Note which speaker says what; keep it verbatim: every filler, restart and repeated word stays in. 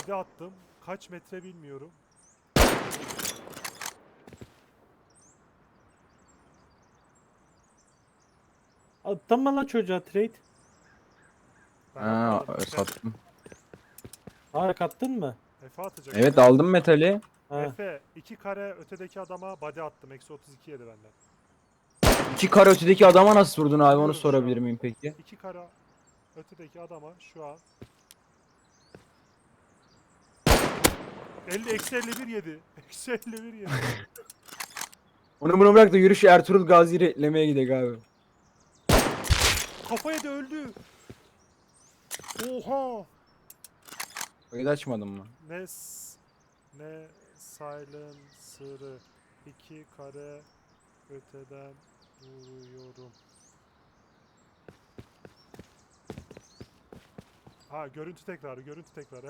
Speaker 1: body attım. Kaç metre bilmiyorum.
Speaker 2: Attın mı lan çocuğa trade?
Speaker 1: Ben
Speaker 3: Ha,
Speaker 1: atmadım. Efe,
Speaker 3: sattım.
Speaker 2: Aa kattın mı?
Speaker 1: Efe atacak.
Speaker 3: Evet,
Speaker 1: Efe.
Speaker 3: aldım metali.
Speaker 2: Ha.
Speaker 1: Efe iki kare ötedeki adama body attım. Eksi otuz iki yedi benden.
Speaker 3: İki kare ötedeki adama nasıl vurdun abi, onu
Speaker 1: Vuruyorum şu
Speaker 3: sorabilir
Speaker 1: an.
Speaker 3: miyim peki?
Speaker 1: İki kare ötedeki adama şu an elli eksi elli bir yedi. Eksi elli bir yedi.
Speaker 3: Onu bunu bırak da yürüyüş Ertuğrul Gazi'yi reklamaya gidelim abi.
Speaker 1: Kafaya da öldü. Oha.
Speaker 3: Kayıt açmadın mı?
Speaker 1: Ne s- ne silencer'ı iki kare öteden vuruyorum. Ha görüntü tekrarı, görüntü tekrarı.